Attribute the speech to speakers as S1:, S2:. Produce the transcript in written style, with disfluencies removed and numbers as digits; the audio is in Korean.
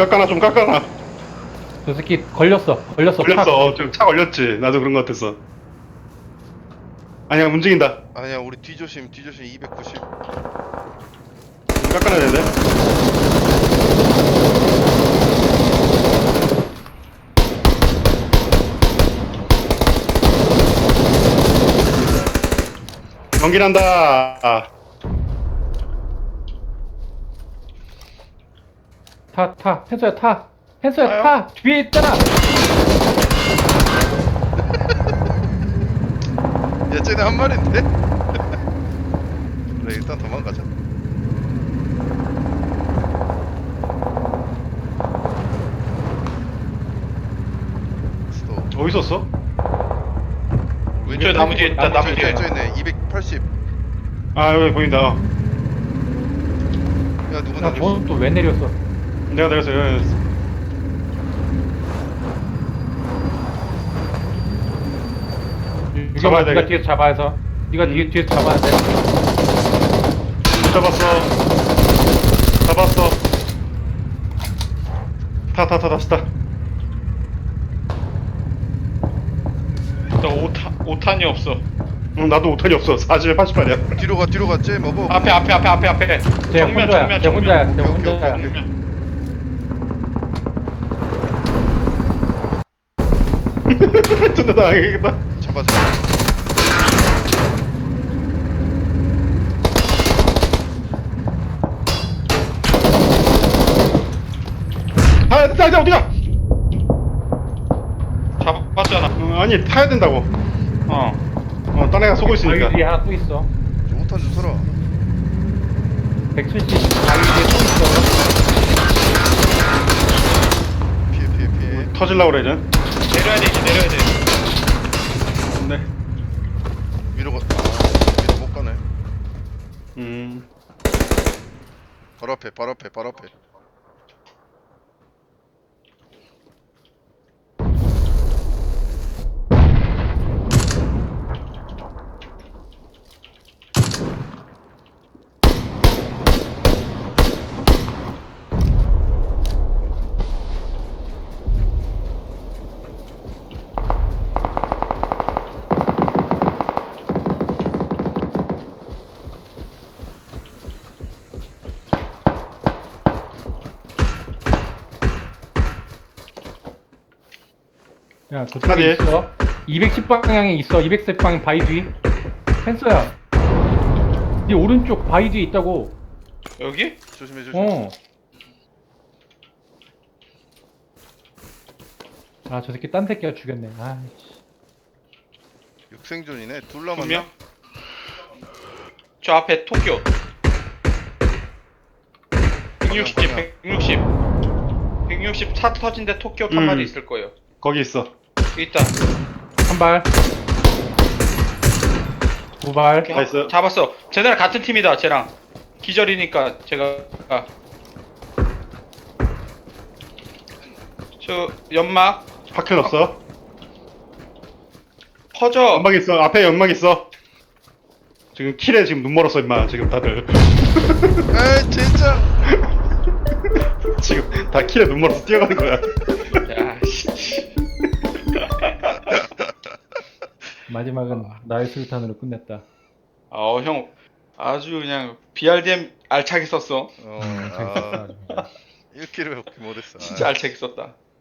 S1: 깎아놔, 좀 깎아놔.
S2: 저 새끼 걸렸어.
S1: 걸렸어. 좀 차 걸렸지. 나도 그런 거 같았어. 아니야, 움직인다.
S3: 아니야 우리 뒤조심 290.
S1: 좀 깎아놔야 되는데. 연기난다. 아,
S2: 타. 펜서야 타. 펜서야
S1: 타요?
S2: 타. 뒤에 있잖아.
S3: 야 쟤네 한 마리인데? 그래 일단 도망가자. 스톱.
S1: 어디 있었어?
S4: 왼쪽에 나무 뒤에 있다. 나무 뒤에.
S3: 쟤네 280.
S1: 아, 여기 보인다.
S3: 야 누구
S2: 나
S3: 날렸어?
S2: 저는 또 왜 내렸어?
S1: 내가 내렸어. 잡아야
S2: 유경아 네가
S1: 되겠-
S2: 뒤에서 잡아서. 네가 뒤에서 잡아야 돼.
S1: 잡았어. 잡았어. 다시 타.
S4: 나 5탄이 없어.
S1: 응, 나도 5턴이 없어. 40에 88이야.
S3: 뒤로 가. 쟤 먹어.
S4: 앞에.
S2: 쟤 혼자야. 쟤 혼자야. 쟤
S3: 오케이,
S2: 혼자야.
S3: 오케이.
S1: 진짜 당하겠다.
S3: 잡아서.
S1: 아, 자, 어디가?
S4: 잡았잖아.
S1: 아니, 타야 된다고. 딴 애가 쏘고 있으니까.
S2: 바위 뒤에 하나 또 있어.
S3: 저 5탄 좀 서라.
S2: 170 바위 뒤에 또 있어.
S3: 피해.
S1: 터질라고 그래, 이제.
S4: 내려야 돼.
S1: 네.
S3: 위로 못 가네. 바로 앞에.
S2: 야,
S1: 어디?
S2: 저쪽에 있어. 210 방향에 있어. 210 방향 바위 뒤. 펜서야. 네 오른쪽 바위 뒤에 있다고.
S4: 여기?
S3: 조심.
S2: 어. 아, 저 새끼 딴 새끼가 죽였네. 아이씨.
S3: 육생존이네. 둘
S4: 2명?
S3: 남았나?
S4: 저 앞에 토끼. 160 차 터진 데 토끼 한 마리 있을 거예요.
S1: 거기 있어.
S4: 여기 있다.
S2: 한 발. 두 발.
S4: 이렇게
S1: 나이스.
S4: 잡았어. 쟤네랑 같은 팀이다. 쟤랑 기절이니까 제가 저 연막
S1: 파킬 없어.
S4: 퍼져.
S1: 연막 있어. 앞에 연막 있어. 지금 킬에 지금 눈 멀었어, 임마. 지금 다들.
S3: 에이 진짜.
S1: 지금 다 킬에 눈 멀어서 뛰어가는 거야.
S4: 야, 씨.
S2: 마지막은 나의 술탄으로 끝냈다.
S4: 형 아주 그냥 BRDM 알차게 썼어.
S3: 아 1킬을 못했어.
S4: 진짜 알차게 썼다.